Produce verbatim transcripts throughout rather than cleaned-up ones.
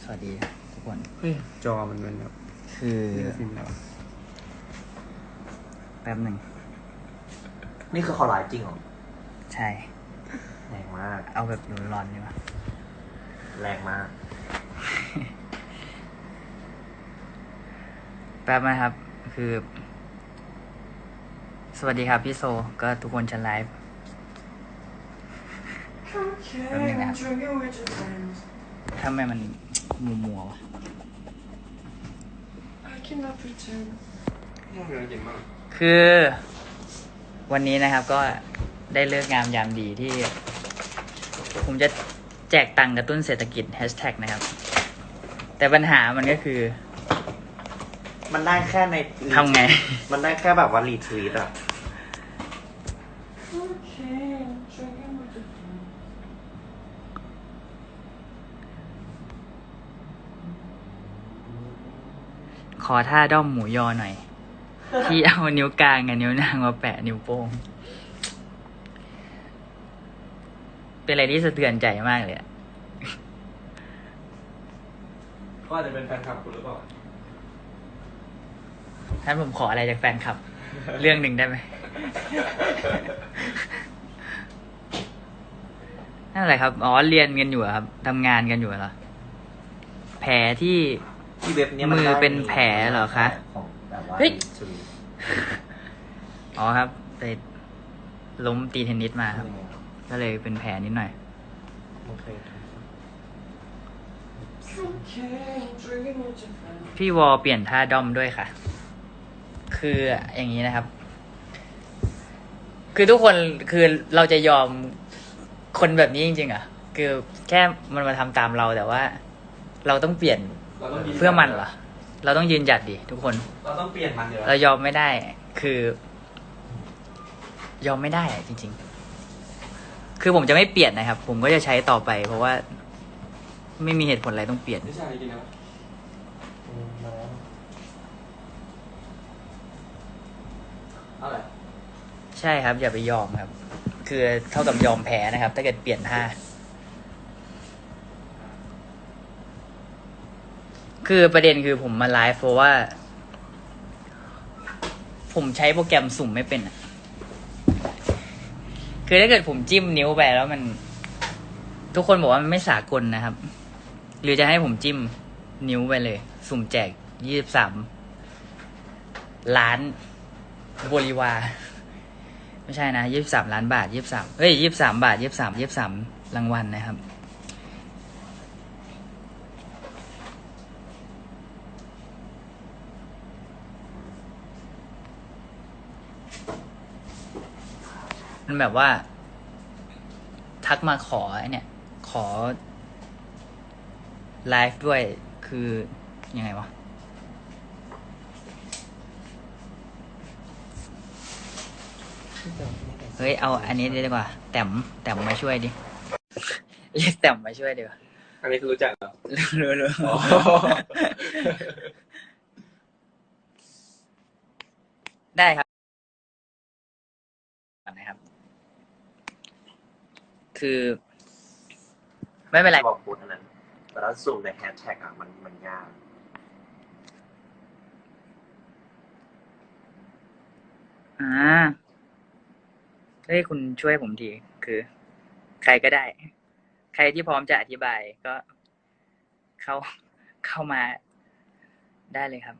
วัสดีทุกคนเฮ้ยจอมันเป็นแบบคือฟิล์มแล้วแป๊บหนึ่งนี่คือเขาไลฟ์จริงเหรอใช่แรงมากเอาแบบร้อนๆดีป่ะแรงมากแป๊บนะครับคือสวัสดีครับพี่โซก็ทุกคนจะไลฟ์แป๊บนึงนะครับทำไมมันมัวมัววะคือวันนี้นะครับก็ได้เลิกงามยามดีที่ผมจะแจกตังค์กระตุ้นเศรษฐกิจแฮชแท็กนะครับแต่ปัญหามันก็คือมันได้แค่ในทำไงมันได้แค่แบบว่ารีทวีตอะขอท่าด้อมหมูยอหน่อย ที่เอานิ้วกลางกับนิ้วนางมาแปะนิ้วโป้งเป็นอะไรที่สะเทือนใจมากเลยอะก็อาจจะเป็นแฟนคลับคุณหรือเปล่าท่านผมขออะไรจากแฟนคลับ เรื่องหนึ่งได้ไหม นั่นแหละครับอ๋อเรียนกันอยู่ครับทำงานกันอยู่เหรอแผลที่ที่เว็บนี้มือเป็นแผลเหรอคะเฮ้ยอ๋อครับไปล้มตีเทนนิสมาครับก็เลยเป็นแผลนิดหน่อยพี่วอเปลี่ยนท่าด้อมด้วยค่ะคืออย่างนี้นะครับคือทุกคนคือเราจะยอมคนแบบนี้จริงๆอ่ะคือแค่มันมาทำตามเราแต่ว่าเราต้องเปลี่ยนเพื่อมันเหรอเราต้องยืนหยัดดิทุกคนเราต้องเปลี่ยนมันเดี๋ยวเรายอมไม่ได้คือ ยอมไม่ได้จริงๆคือผมจะไม่เปลี่ยนนะครับผมก็จะใช้ต่อไปเพราะว่าไม่มีเหตุผลอะไรต้องเปลี่ยนไม่ใช่จริงนะอะไรใช่ครับอย่าไปยอมครับคือเท่ากับยอมแพ้นะครับถ้าเกิดเปลี่ยนท่าคือประเด็นคือผมมาไลฟ์เพราะว่าผมใช้โปรแกรมสุ่มไม่เป็นอ่ะคือถ้าเกิดผมจิ้มนิ้วไปแล้วมันทุกคนบอกว่ามันไม่สากลนะครับหรือจะให้ผมจิ้มนิ้วไปเลยสุ่มแจกยี่สิบสามล้านบริวารไม่ใช่นะยี่สิบสามล้านบาทยี่สิบสามเฮ้ยยี่สิบสามบาทยี่สิบสามยี่สิบสามรางวัลนะครับมันแบบว่าทักมาขอไอ้เนี่ยขอไลฟ์ด้วยคือยังไงวะเฮ้ยเอาอันนี้ดีกว่าแต้มแต้มมาช่วยดิเรียกแต้มมาช่วยดีกว่าอันนี้คือรู้จักเหรอรู้รู้ได้ครับนะครับคือไม่เป็นไรบอกพูดอันนั้นแต่ถ้าสุ่มในแฮชแท็กอ่ะมันมันยากอ่าเฮ้ยคุณช่วยผมทีคือใครก็ได้ใครที่พร้อมจะอธิบายก็เข้าเข้ามาได้เลยครับ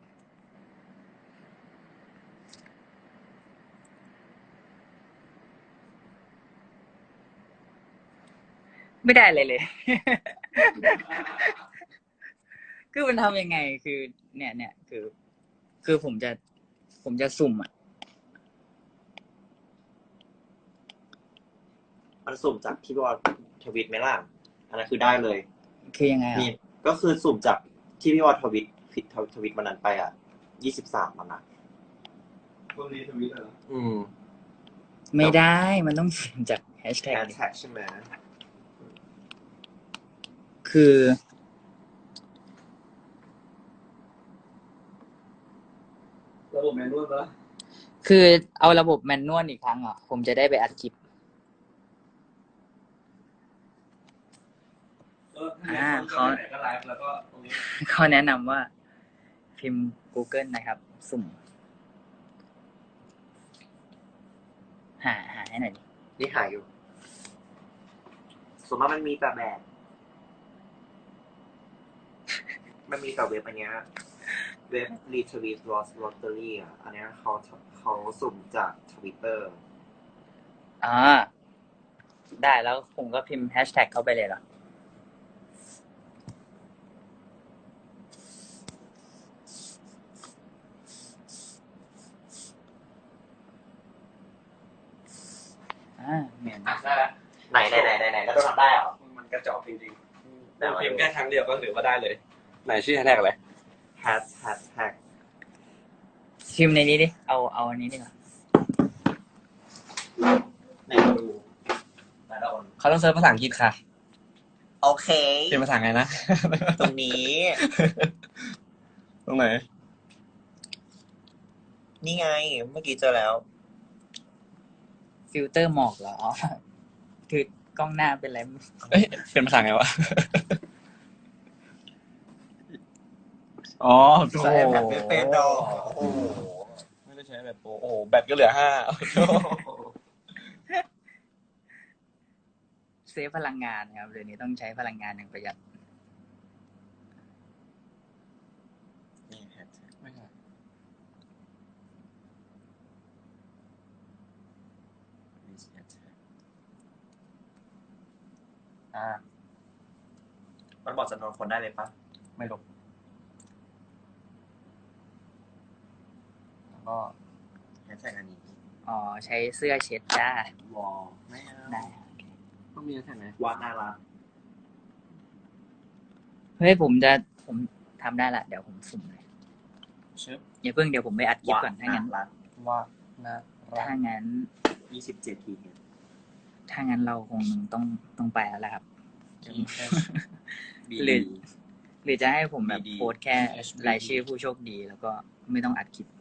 ไม่ได้เลยเลย คือมันทำยังไงคือเนี่ยเนี่ยคือคือผมจะผมจะสุ่มอ่ะมันสุ่มจากที่พี่วอลทวิตไหมล่ะอันนั้นคือได้เลยคือยังไงอ่ะนี่ก็คือสุ่มจากที่พี่วอลทวิตผิดทวิตมันนั้นไปอ่ะยี่สิบสามมันอ่ะคนรีทวิตเหรออืมไม่ได้มันต้องสุ่มจากแฮชแท็กแฮชแท็กใช่ไหมคือระบบแมนนวลปะคือเอาระบบแมนนวลอีกครั้งอ่ะผมจะได้ไปอัดคลิปก็ถ้าแมนนวลเขาไหนก็ไลฟ์แล้วก็ตรงนี้เขาแนะนำว่าพิมพ์ Google นะครับ สุ่ม หาหาให้หน่อยดินี่หายอยู่ส่วนมากมันมีแต่แบบ มันมีแต่เว็บอันเนี้ยเว็บ Retweet Lost Lottery อ่ะ อันเนี้ยเขาเขาสุ่มจากทวิตเตอร์อ่า ได้แล้วผมก็พิมพ์แฮชแท็กเข้าไปเลยเหรอ อ่าเหมือนได้แล้วไหนไหนไหนไหนไหนแล้วต้องทำได้เหรอมันกระจอกจริงๆได้เราไหมพิมพ์แค่ครั้งเดียวก็ถือว่าได้เลย ไหนชื่อแฮชแท็กอะไรแฮชแฮชแท็กพิมพ์ในนี้ดิ เอาเอาอันนี้ดีกว่าไหนดูไหนละคนเขาต้องเซิร์ชภาษาอังกฤษค่ะโอเคเป็นภาษาไงนะตรงนี้ตรงไหนนี่ไง เมื่อกี้เจอแล้วฟิลเตอร์หมอกเหรออ๋อคือกล้องหน้าเป็นอะไรไม่รู้เอ้ย เป็นภาษาไงวะ อ๋อใช้แบบไม่เป็นดอกโอ้โหไม่ได้ใช้แบบโปรโอ้โห แบตก็เหลือห้าเซฟพลังงานนะครับเดี๋ยวนี้ต้องใช้พลังงานอย่างประหยัดนี่แฮชแท็กไม่ใช่นี่แฮชแท็กอ่ามันบอกจำนวนคนได้เลยปะไม่ลบแล้วก็แฮชแท็กอันนี้อ๋อ ใช้เสื้อเช็ดจ้าวอลไม่เอาได้ต้องมีแฮชแท็กไหมวาดน่ารักเฮ้ยผมจะผมทำได้ละ เดี๋ยวผมสุ่มเลยชึบอย่าเพิ่งเดี๋ยวผมไปอัดคลิปก่อนถ้างั้นรักว่านะรักถ้างั้นยี่สิบเจ็ดทีเนี่ยถ้างั้นเราคงต้องต้องไปแล้วแหละครับ E H หรือ หรือจะให้ผมแบบดีๆโพสต์แค่รายชื่อผู้โชคดี แล้วก็ไม่ต้องอัดคลิป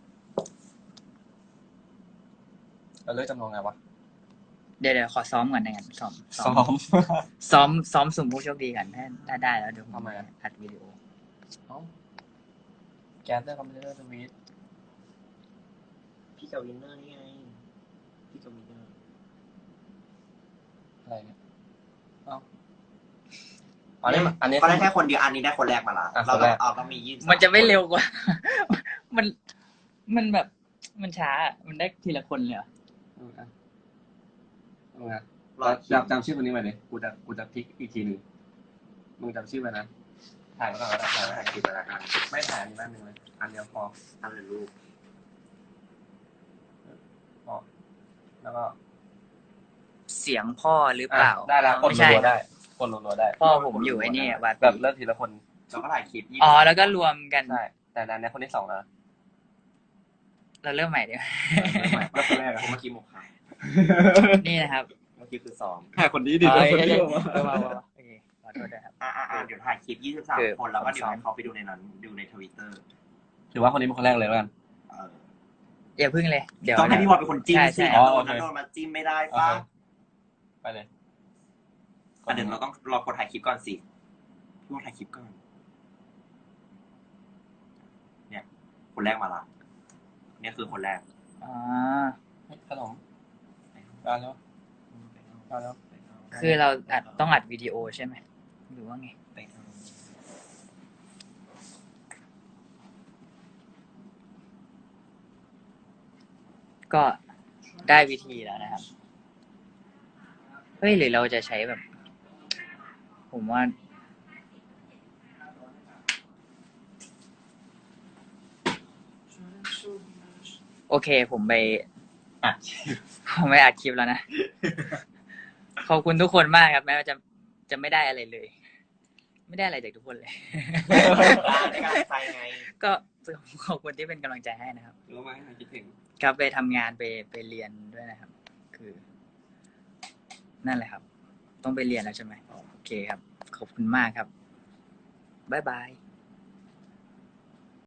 เราเลือกจำนวนไงวะเดี๋ยวเดี๋ยวขอซ้อมก่อนนะงั้นซ้อมซ้อมซ้อมซ้อมสุ่มผู้โชคดีกันถ้าถ้าได้แล้วเดี๋ยวผมทำไมอะอัดวิดีโอเอ้าแกสเตอร์คอมพิวเตอร์สวิตพี่กับวินเนอร์นี่ไง พี่กับวินเนอร์อะไรเนี่ยเอ้าอันนี้อันนี้ก็ได้แค่คนเดียวอันนี้ได้คนแรกมาละอ่ะเราคนแรกเอาต้องมียี่สิบมันจะไม่เร็วกว่า มันมันแบบมันช้าอะมันได้ทีละคนเลยเหรอเอาอ่ะเอาไงรอจำจำชื่อคนนี้ไว้เลยกูจะกูจะพลิกอีกทีหนึ่งมึงจำชื่อไว้นะ ถ่ายไว้ก่อนก็ได้ถ่ายไว้ถ่ายคลิปแล้วกันไม่ถ่ายอันนี้แม่นึงเลย อันเดียวพออันเลยรูปพอแล้วก็เสียงพ่อหรือเปล่าอ่ะได้แล้วกดไม่ใช่รัวๆได้กดรัวๆได้พ่อผมอยู่ไอ้นี่อะวัดแบบเลิกทีละคนเราก็ถ่ายคลิปยี่อ๋อแล้วก็รวมกันใช่แต่ในนี้คนที่สองนะเราเริ่มใหม่ดีกว่าแล้วคนแรกอะผมเมื่อกี้หมกขายนี่นะครับเมื่อกี้คือซ้อมถ่ายคนนี้ดิเอ้ยคนเอ้ยนี้เอ้ยออกมาเออมามามาโอเคขอโทษด้วยครับอ่าอ่าเดี๋ยวถ่ายคลิปยี่สิบสามคือคนแล้วก็เดี๋ยวซ้อมให้เขาไปดูในนั้น ดูในทวิตเตอร์ถือว่าคนนี้เป็นคนแรกเลยแล้วกันเอออย่าพึ่งเลย เดี๋ยวต้องให้พี่วอลเป็นคนจิ้มใช่สิใช่แล้วอ๋อโดโอน เคนั้นโดนมาจิ้มไม่ได้โอป่ะเคไปเลยอ่ะเดี๋ยวเราต้องรอกดถ่ายคลิปก่อนสิพี่วอลถ่ายคลิปก่อน เนี่ย คนแรกมาละ เนี่ยคือคนแรกอ๋อเฮ้ยขนมมาแล้วมาแล้วคือเราอัดต้องอัดวิดีโอใช่ไหมหรือว่าไงไปเอาก็ได้วิธีแล้วนะครับ เฮ้ยหรือเราจะใช้แบบ ผมว่า โอเค ผมไปอ่ะผมไปอัดคลิปแล้วนะ ขอบคุณทุกคนมากครับ แม้ว่าจะจะไม่ได้อะไรเลย ไม่ได้อะไรจากทุกคนเลยในการใส่ไงก็ขอบคุณที่เป็นกำลังใจให้นะครับรู้ไหมคิดถึงครับไปทำงานไปไปเรียนด้วยนะครับ คือ นั่นแหละครับ ต้องไปเรียนแล้วใช่ไหมโอเคครับ ขอบคุณมากครับ บ๊ายบาย